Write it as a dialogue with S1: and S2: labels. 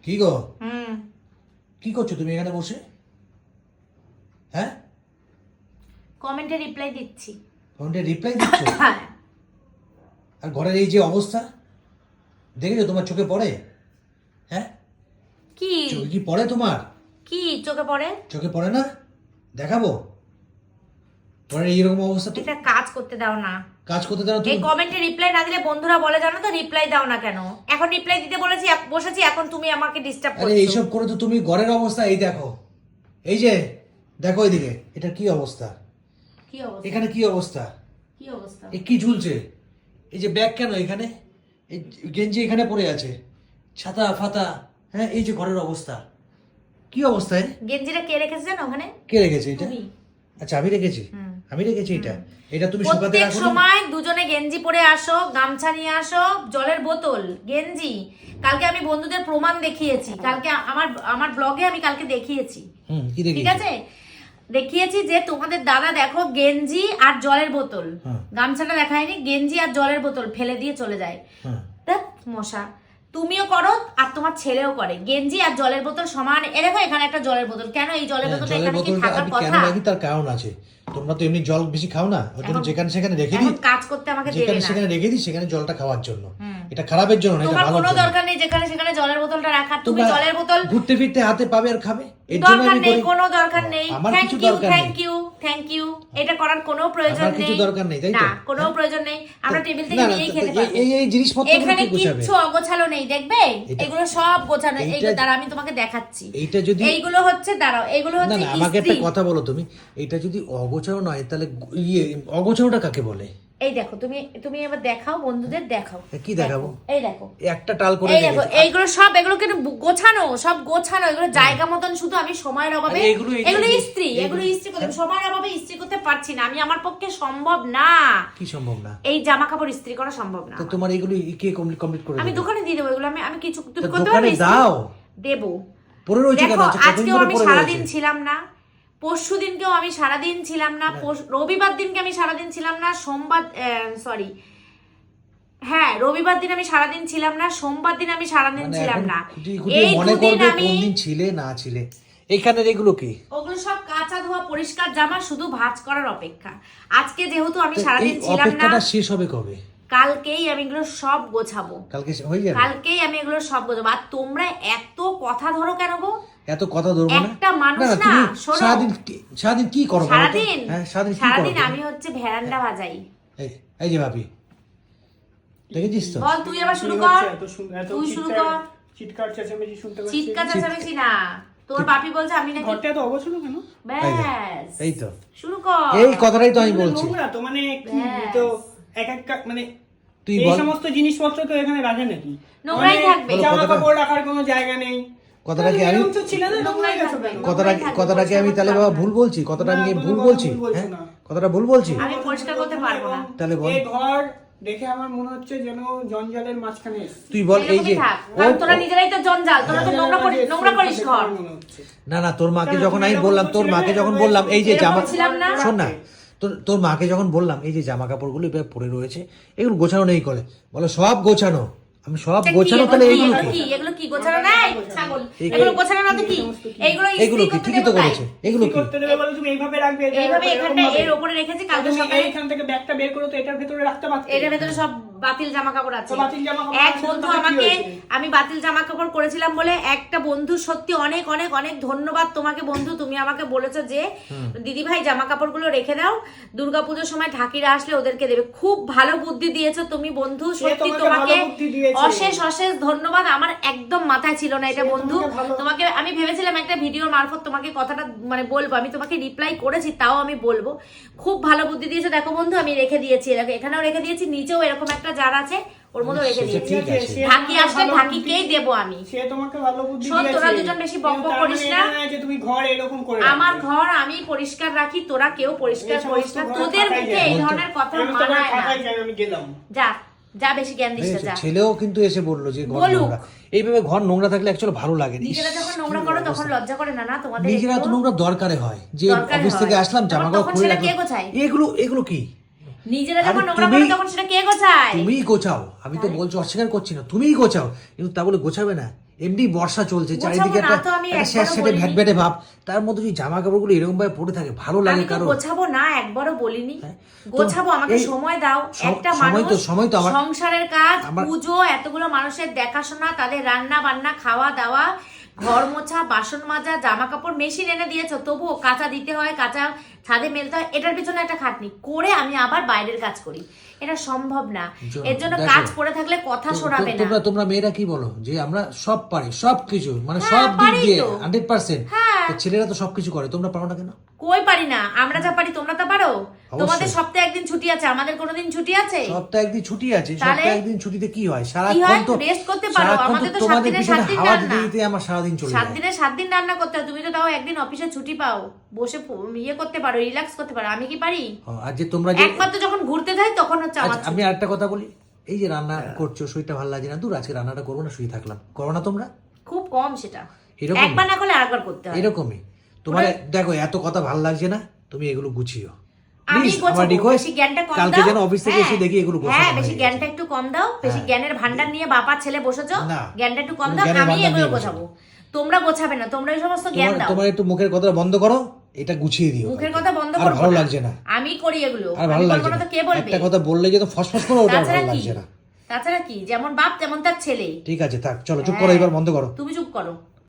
S1: কি গো? কি করছো তুমি এখানে বসে? হ্যাঁ,
S2: কমেন্টে রিপ্লাই দিচ্ছি।
S1: কমেন্টে রিপ্লাই দিচ্ছ?
S2: হ্যাঁ।
S1: আর ঘরের এই যে অবস্থা দেখেছো? তোমার চোখে পড়ে? হ্যাঁ,
S2: কি
S1: চোখে কি পড়ে তোমার?
S2: কি চোখে পড়ে?
S1: চোখে পড়ে না? দেখাবো ঘরের এইরকম অবস্থা। তো
S2: একটা কাজ করতে দাও না।
S1: কাজ করতে দাও
S2: এই
S1: তুমি।
S2: কমেন্টে রিপ্লাই না দিলে বন্ধুরা বলে জানো তো রিপ্লাই দাও না কেন? এখন রিপ্লাই দিতে বলেছি বসেছি, এখন তুমি আমাকে ডিস্টার্ব
S1: আরে
S2: করছো।
S1: এইসব করে তো তুমি ঘরের অবস্থা এই দেখো, এই যে দেখো এইদিকে, এটা কি অবস্থা?
S2: কি অবস্থা?
S1: এখানে কি অবস্থা?
S2: কি অবস্থা?
S1: এ কি ঝুলছে? এই যে ব্যাগ কেন এখানে? এই গেঞ্জি এখানে পড়ে আছে, ছাতা ফাতা। হ্যাঁ, এই যে ঘরের অবস্থা, কি অবস্থা এর?
S2: গেঞ্জিটা কে রেখেছে জানো ওখানে?
S1: কে রেখেছে এটা?
S2: তুমি।
S1: আচ্ছা, আমি রেখেছি। আমি রেখেছি এটা। এটা তুমি শুকাতে
S2: প্রত্যেক
S1: রাখো।
S2: সময় দুজনে গেঞ্জি পরে আসো, গামছা নিয়ে আসো, জলের বোতল, গেঞ্জি। কালকে আমি বন্ধুদের প্রমাণ দেখিয়েছি, কালকে আমার ব্লগে আমি কালকে দেখিয়েছি।
S1: কি
S2: ঠিক
S1: দেখিয়েছি?
S2: আছে, দেখিয়েছি যে তোমাদের দাদা দেখো গেঞ্জি আর জলের বোতল, গামছাটা দেখায়নি, গেঞ্জি আর জলের বোতল ফেলে দিয়ে চলে যায়। দেখ মশা, তুমিও করো আর তোমার ছেলেও করে, গেঞ্জি আর জলের বোতল সমান। এ দেখো এখানে একটা জলের বোতল, কেন এই জলের বোতলটা
S1: জলের
S2: এখানে কি
S1: বোতলটা
S2: থাকার
S1: আমি
S2: কথা?
S1: কেন রাখি তার কারণ আছে। তোমরা তো এমনি জল বেশি খাও না, ওই জন্য
S2: এখন-
S1: যেখানে সেখানে রেখে
S2: এখন
S1: দিই।
S2: কাজ করতে আমাকে দেবে
S1: যেখানে
S2: না।
S1: সেখানে রেখে দিই, সেখানে জলটা খাওয়ার জন্য। এটা খারাপের জন্য না, এটা
S2: তোমার
S1: ভালোর
S2: কোনো
S1: জন্য।
S2: দরকার নেই যেখানে সেখানে জলের বোতলটা রাখার। তুমি
S1: তোমরা
S2: জলের বোতল
S1: ঘুরতে ফিরতে হাতে পাবে আর খাবে, এর জন্য
S2: দরকার
S1: আমি
S2: নেই,
S1: করি।
S2: কোনো দরকার নেই।
S1: আমার
S2: থ্যাংক
S1: কিছু
S2: ইউ,
S1: দরকার নেই।
S2: Thank you. এটা করার কোনো প্রয়োজন
S1: আমার
S2: নেই।
S1: কিছু দরকার নেই, তাই তো?
S2: না, কোনো প্রয়োজন নেই। আমরা টেবিল থেকে
S1: না, না,
S2: নিয়েই খেতে পারবো।
S1: এই জিনিসপত্র
S2: এখানে
S1: কি গোছাবে?
S2: কিচ্ছু অগোছালো নেই, দেখবে এগুলো সব গোছানো। এইগুলো দাঁড়া আমি তোমাকে দেখাচ্ছি।
S1: এইটা যদি
S2: এইগুলো হচ্ছে দাঁড়াও, এইগুলো
S1: না
S2: হচ্ছে
S1: না, আমাকে একটা
S2: ইস্ত্রি।
S1: কথা বলো তুমি, এটা যদি অগোছালো নয় তাহলে অগোছালোটা কাকে বলে?
S2: এই দেখো, তুমি এবার দেখাও, বন্ধুদের দেখাও।
S1: কি দেখাবো?
S2: এই দেখো,
S1: একটা টাল করে
S2: এই দেখো, এইগুলো সব, এগুলো কিন্তু গোছানো, সব গোছানো, এগুলো জায়গা মতন। শুধু আমি সময়ের অভাবে
S1: আরে এগুলো
S2: ইস্ত্রি, এগুলো ইস্ত্রি করতে সময়ের অভাবে ইস্ত্রি করতে পারছি না আমি। আমার পক্ষে সম্ভব না।
S1: কি সম্ভব না?
S2: এই জামা কাপড় ইস্ত্রি করা সম্ভব না।
S1: তো তোমার এগুলো কে কমপ্লিট করে
S2: আমি
S1: দেবে?
S2: দোকানে দিয়ে দেবো এগুলো। আমি কিছু তুমি
S1: তো
S2: করতে
S1: দোকানে
S2: পারবে ইস্ত্রি?
S1: দাও।
S2: দেবো।
S1: পরে রয়েছে কেন?
S2: দেখো
S1: আচ্ছা, কতদিন
S2: আজকেও
S1: ধরে
S2: আমি
S1: পরে
S2: সারাদিন
S1: রয়েছে?
S2: ছিলাম না, পরশু দিনকেও আমি সারাদিন ছিলাম না, রবিবার দিনকে আমি সারাদিন ছিলাম না, রবিবার দিন আমি সারাদিন ছিলাম না, সোমবার দিন আমি সারাদিন
S1: মানে
S2: ছিলাম
S1: এখন
S2: না।
S1: খুঁটিয়ে
S2: এই
S1: মনে
S2: দুদিন
S1: করবে
S2: আমি
S1: কোন দিন ছিলে না ছিলে। এইখানের এগুলো কি?
S2: ওগুলো সব কাঁচা ধোয়া পরিষ্কার জামা, শুধু ভাঁজ করার অপেক্ষা। আজকে যেহেতু আমি
S1: তো
S2: সারাদিন
S1: এই
S2: ছিলাম না,
S1: অপেক্ষাটা শেষ হবে কবে?
S2: কালকেই আমি এগুলো সব গোছাবো।
S1: কালকে হয়ে যাবে?
S2: কালকেই আমি এগুলো সব গোছাবো। আর তোমরা এত কথা ধরো কেন গো?
S1: এত কথা ধরবো না।
S2: একটা মানুষ না,
S1: তুমি
S2: শোনো।
S1: সারাদিন কি করো বলো তো?
S2: সারাদিন
S1: হ্যাঁ, সারাদিন কি করো
S2: সারাদিন
S1: তুমি?
S2: আমি হচ্ছে ভেরান্ডা বাজাই।
S1: এই যে ভাবি, দেখেছিস তো?
S2: বল তুই আবার শুরু কর। তুই শুরু কর।
S3: চিৎকার চেঁচামেচি শুনতে পাচ্ছি।
S2: চিৎকার চেঁচামেচি না, তোর বাপি বলছে আমি নাকি।
S3: ঘরটা এত অগোছালো কেন?
S2: ব্যাস
S1: এই তো,
S2: শুরু কর।
S1: এই কথাটাই তো আমি বলছি।
S3: নোংরা তো, মানে কি
S2: ব্যাস।
S3: তো এক মানে
S1: তুই
S3: এই
S1: বল।
S3: সমস্ত জিনিসপত্র তো এখানে রাখে নাকি?
S2: নোংরাই থাকবে।
S3: জামা কাপড় রাখার কোনো জায়গা নেই।
S1: কথাটা কি আমি
S3: এরকম তো ছিল না, নোংরাই গেছো কেন?
S1: কথাটা কি আমি তাহলে বাবা ভুল বলছি? কথাটা আমি
S3: না,
S1: কি
S3: কোনো
S1: ভুল
S3: কথা
S1: বলছি?
S3: ভুল বলছো
S1: হ্যাঁ,
S3: না।
S1: কথাটা ভুল বলছি?
S2: আমি পরিষ্কার করতে পারবো না।
S1: তাহলে বল।
S3: এই ঘর দেখে আমার মনে হচ্ছে যেন জঞ্জালের মাঝখানে এসেছি।
S1: তুই বল। এই যে
S2: এরকমই থাক। কারণ তোরা নিজেরাই তো জঞ্জাল, তোরা তো নোংরা করিস ঘর।
S1: না না, তোর মাকে যখন আমি
S3: এরকম
S1: বললাম, তোর
S3: করছিলে
S1: মাকে
S3: না?
S1: যখন বললাম এই যে
S2: এরকম
S1: জামা,
S2: ছিলাম না?
S1: শোন না, তোর মাকে যখন বললাম এই যে জামা কাপড়গুলো এভাবে পরে রয়েছে, এগুলো গোছানো নেই করে, বলো সব গোছানো। আমি সব গোছানো, তাহলে এইগুলো কি?
S2: এগুলো কি গোছানো নাই? ছাগল, এগুলো গোছানো না তো কি? এইগুলো
S1: এগুলো কি? ঠিকই তো করেছে। এগুলো কি?
S3: করতে দেবে বলে তুমি এইভাবে রাখবে?
S2: এইভাবে
S3: এরকম
S2: এখানটা
S3: ভাবে?
S2: এর উপরে রেখেছি, কালকে
S3: তুমি
S2: সকালে
S3: এইখান থেকে ব্যাগটা বের করো তো এটার ভেতরে রাখতে পারতে।
S2: এটার ভেতরে সব বাতিল জামা কাপড় আছে।
S3: তো বাতিল জামা কাপড়
S2: এক
S3: আছে,
S2: বন্ধু
S3: তাতে কি
S2: আমাকে,
S3: হয়েছে?
S2: আমি বাতিল জামা কাপড় করেছিলাম বলে একটা বন্ধু, সত্যি অনেক অনেক অনেক ধন্যবাদ তোমাকে বন্ধু। তুমি আমাকে বলেছো যে দিদি ভাই জামা কাপড়গুলো রেখে দাও, দুর্গাপুজোর সময় ঢাকিরা আসলে ওদেরকে দেবে। খুব ভালো বুদ্ধি দিয়েছো তুমি বন্ধু, সত্যি তোমাকে
S3: ভালো বুদ্ধি দিয়েছে।
S2: অশেষ অশেষ ধন্যবাদ। আমার একদম মাথায় ছিল না এটা বন্ধু। তোমাকে আমি ভেবেছিলাম একটা ভিডিওর মারফত তোমাকে কথাটা মানে বলবো, আমি তোমাকে রিপ্লাই করেছি, তাও আমি বলবো। খুব ভালো বুদ্ধি দিয়েছো। দেখো বন্ধু আমি রেখে দিয়েছি, এখানেও রেখে দিয়েছি, নিচেও এরকম একটা জার আছে, ওর মধ্যে রেখে
S1: সেটা
S2: দিয়েছি।
S1: ঠিক আছে।
S2: ঢাকি আসলে ঢাকিকেই দেবো আমি।
S3: সে তোমাকে ভালো বুদ্ধি
S2: শোন,
S3: দিয়েছে।
S2: তোরা দুজন বেশি বকবক
S3: কিন্তু
S2: করিস
S3: তার মানে
S2: না।
S3: এটা নয় যে তুমি ঘর এরকম করে
S2: আমার
S3: রাখবে।
S2: ঘর আমি পরিষ্কার রাখি, তোরা কেউ পরিষ্কার
S3: এই
S2: করিস না।
S3: সমস্ত ঘরে
S2: তোদের
S3: থাকাই
S2: মুখে
S3: যায়।
S2: এই ধরনের কথা
S3: আমি তোমার
S2: মানায় না।
S3: থাকাই যাই, আমি গেলাম।
S2: যা যা, বেশি জ্ঞান দিস না, যা।
S1: ছেলেও কিন্তু এসে বললো যে ঘর
S2: বলুক।
S1: নোংরা। এইভাবে ঘর নোংরা থাকলে অ্যাকচুয়ালি ভালো লাগে না।
S2: নিজেরা যখন নোংরা করো তখন লজ্জা করে না? না তোমাদের
S1: নিজেরা তো
S2: একটু?
S1: নোংরা দরকারে হয়, যে
S2: দরকারে
S1: অফিস থেকে
S2: হয়।
S1: আসলাম জামা কাপড়
S2: তখন
S1: খুলে
S2: সেটা
S1: রাখলাম।
S2: কে গোছায়?
S1: এগুলো কি?
S2: নিজেরা যখন
S1: আরে
S2: নোংরা করো
S1: তুমি-
S2: তখন সেটা কে গোছায়?
S1: তুমিই গোছাও। আমি তো বলছি অস্বীকার করছি না, তুমিই গোছাও, কিন্তু তা বলে গোছাবে না। এমনি বর্ষা চলছে,
S2: গোছাবো
S1: চারিদিকে
S2: না
S1: একটা
S2: তো আমি একবারও
S1: স্যাঁতস্যাঁতে
S2: বলিনি।
S1: ভ্যাটভ্যাটে ভাব, তার মধ্যে যদি জামা কাপড়গুলো এরকম ভাবে পড়ে থাকে ভালো লাগে
S2: আমি তো
S1: কারো?
S2: গোছাবো না একবারও বলিনি,
S1: হ্যাঁ।
S2: গোছাবো, আমাকে
S1: এই
S2: সময় দাও। একটা
S1: সময় তো আমার
S2: সংসারের কাজ, পুজো, এতগুলো মানুষের দেখাশোনা, তাদের রান্না বান্না, খাওয়া দাওয়া, ঘর মোছা, বাসন মাজা, জামা কাপড় মেশিন এনে দিয়েছো, তবুও কাঁচা দিতে হয়, কাঁচা ছাদে মেলতে হয়, এটার পিছনে একটা খাটনি করে আমি আবার বাইরের কাজ করি, এটা সম্ভব না। এর জন্য
S1: দেখো,
S2: কাজ পড়ে থাকলে কথা শোনাবে না।
S1: তোমরা মেয়েরা কি বলো যে আমরা সব পারি, সবকিছু মানে
S2: হ্যাঁ,
S1: সব দিক
S2: পারি
S1: দিয়ে
S2: তো।
S1: 100%।
S2: হ্যাঁ।
S1: তো ছেলেরা তো সবকিছু করে, তোমরা পারো না কেন?
S2: কই পারি না, আমরা যা পারি তোমরা তা পারো?
S1: অবশ্যই।
S2: তোমাদের সপ্তাহে একদিন ছুটি আছে, আমাদের কোনোদিন ছুটি আছে?
S1: সপ্তাহে একদিন ছুটি আছে,
S2: তাহলে?
S1: সপ্তাহে একদিন ছুটিতে কি হয়?
S2: কি
S1: সারাক্ষণ
S2: হয়?
S1: তো
S2: রেস্ট করতে পারো,
S1: সারাক্ষণ
S2: আমাদের তো 7
S1: তোমাদের
S2: দিনে
S1: পিছনে
S2: 7 দিন
S1: হাওয়া
S2: রান্না।
S1: দিতে দিতে আমার সারাদিন চলে
S2: 7
S1: যায়।
S2: দিনে 7 দিন রান্না করতে হয়, তুমি তো তাও একদিন অফিসে ছুটি পাও, বসে ইয়ে করতে পারো, রিল্যাক্স করতে পারো, আমি কি পারি?
S1: আর যে তোমরা যে
S2: একমাত্র যখন ঘুরতে যাই তখন হচ্ছে আমার
S1: আচ্ছা, আমি আরেকটা কথা বলি, এই যে রান্না করছো শরীরটা ভালো লাগে না, দূর আজকে রান্নাটা করবো না, শুয়ে থাকলাম, করো না তোমরা?
S2: খুব কম সেটা,
S1: এরকম
S2: একবার না করলে আরেকবার করতে হয়।
S1: এরকমই তোমার দেখো এত কথা ভালো লাগছে না, তুমি এগুলো গুছিও
S2: আমি
S1: প্লিজ, আমার
S2: গোছাবো,
S1: রিকোয়েস্ট।
S2: বেশি জ্ঞানটা কম দাও।
S1: কালকে যেন অফিস থেকে এসে
S2: হ্যাঁ,
S1: দেখি এগুলো গোছানো
S2: হ্যাঁ,
S1: হয়ে
S2: বেশি
S1: গেছে।
S2: জ্ঞানটা একটু কম দাও, বেশি
S1: হ্যাঁ।
S2: জ্ঞানের ভান্ডার নিয়ে বাবা ছেলে বসেছো,
S1: না।
S2: জ্ঞানটা একটু কম
S1: কোনো
S2: দাও,
S1: জ্ঞানের
S2: আমি
S1: ভান্ডার
S2: এগুলো
S1: নিয়ে
S2: গোছাবো। তোমরা গোছাবে না, তোমরা এই সমস্ত জ্ঞান দাও।
S1: তোমার একটু মুখের কথা বন্ধ করো, এটা গুছিয়ে দিও।
S2: মুখের কথা বন্ধ
S1: আর
S2: করবো
S1: ভালো
S2: না।
S1: লাগছে না,
S2: আমি করি এগুলো,
S1: আর ভালো
S2: আমি
S1: লাগছে
S2: করবো না
S1: না,
S2: তো কে বলবে?
S1: একটা কথা বললে যে ফসফস করে ওটা
S2: তাছাড়া
S1: ভালো
S2: কি?
S1: লাগছে না।
S2: তাছাড়া কি, যেমন বাপ তেমন তার ছেলে।
S1: ঠিক আছে থাক, চলো চুপ করো, এবার বন্ধ করো।
S2: তুমি চুপ করো।